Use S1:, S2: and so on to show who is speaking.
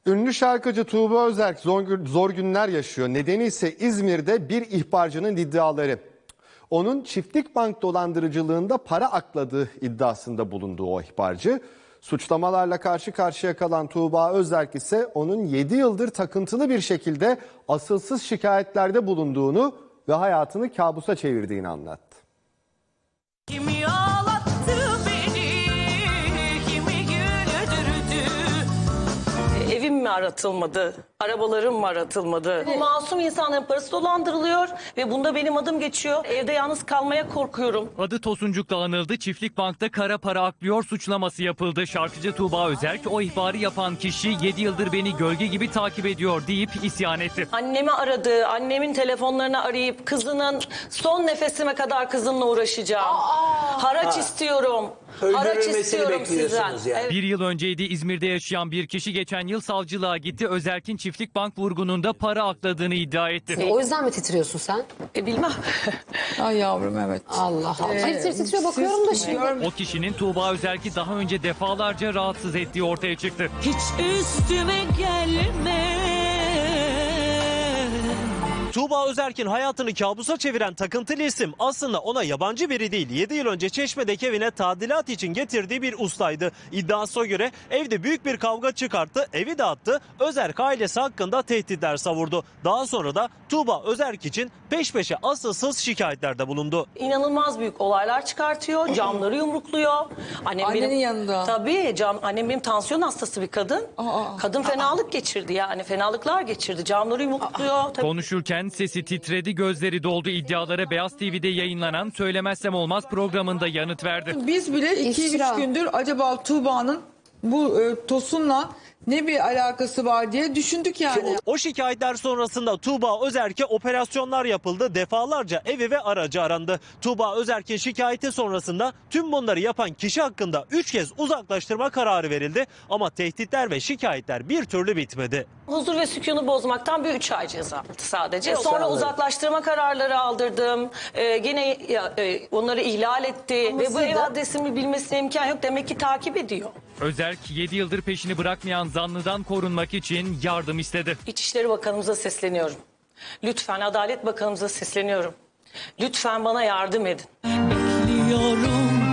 S1: Ünlü şarkıcı Tuğba Özerk zor günler yaşıyor. Nedeni ise İzmir'de bir ihbarcının iddiaları. Onun çiftlik bank dolandırıcılığında para akladığı iddiasında bulunduğu o ihbarcı. Suçlamalarla karşı karşıya kalan Tuğba Özerk ise onun 7 yıldır takıntılı bir şekilde asılsız şikayetlerde bulunduğunu ve hayatını kabusa çevirdiğini anlattı.
S2: Kimi ağlattı beni, kimi güldürdü. Evim mi aratılmadı, arabalarım mı aratılmadı? Bu masum insanların parası dolandırılıyor ve bunda benim adım geçiyor. Evde yalnız kalmaya korkuyorum.
S3: Adı Tosuncuk'la anıldı. Çiftlik Bank'ta kara para aklıyor suçlaması yapıldı. Şarkıcı Tuğba Özerk o ihbarı yapan kişi 7 yıldır beni gölge gibi takip ediyor deyip isyan etti.
S2: Annemi aradı, annemin telefonlarını arayıp kızının son nefesime kadar kızımla uğraşacağım. Haraç istiyorum. Haraç
S4: Öldürülmesini
S2: istiyorum sizden.
S4: bekliyorsunuz yani.
S2: Evet.
S3: Bir yıl önceydi İzmir'de yaşayan bir kişi geçen yıl savcılığa gitti. Özerk'in Çiftlik Bank vurgununda para akladığını iddia etti.
S5: O yüzden mi titriyorsun sen?
S2: Bilmem.
S6: Ay yavrum evet.
S5: Allah Allah. Titriyor bakıyorum da şimdi.
S3: O kişinin Tuğba Özerk'i daha önce defalarca rahatsız ettiği ortaya çıktı.
S2: Hiç üstüme gelme.
S7: Tuğba Özerk'in hayatını kabusa çeviren takıntılı isim aslında ona yabancı biri değil. 7 yıl önce Çeşme'deki evine tadilat için getirdiği bir ustaydı. İddiasına göre evde büyük bir kavga çıkarttı, evi dağıttı. Özerk ailesi hakkında tehditler savurdu. Daha sonra da Tuğba Özerk için peş peşe asılsız şikayetlerde bulundu.
S2: İnanılmaz büyük olaylar çıkartıyor, camları yumrukluyor.
S6: Annenin yanında.
S2: Tabii, annem benim tansiyon hastası bir kadın. Kadın fenalık geçirdi yani, fenalıklar geçirdi. Camları yumrukluyor. Tabii.
S3: Konuşurken sesi titredi, gözleri doldu. İddialara Beyaz TV'de yayınlanan Söylemezsem Olmaz programında yanıt verdi.
S6: Biz bile 2-3 gündür acaba Tuğba'nın bu Tosun'la ne bir alakası var diye düşündük yani.
S7: O şikayetler sonrasında Tuğba Özerk'e operasyonlar yapıldı. Defalarca evi ve aracı arandı. Tuğba Özerk'in şikayeti sonrasında tüm bunları yapan kişi hakkında 3 kez uzaklaştırma kararı verildi. Ama tehditler ve şikayetler bir türlü bitmedi.
S2: Huzur ve sükûnu bozmaktan bir 3 ay ceza aldı sadece. Sonra uzaklaştırma kararları aldırdım. Gene onları ihlal etti. Ve bu ev adresimi bilmesine imkan yok. Demek ki takip ediyor.
S3: Özerk 7 yıldır peşini bırakmayan zanlıdan korunmak için yardım istedi.
S2: İçişleri Bakanımıza sesleniyorum. Lütfen Adalet Bakanımıza sesleniyorum. Lütfen bana yardım edin. Bekliyorum.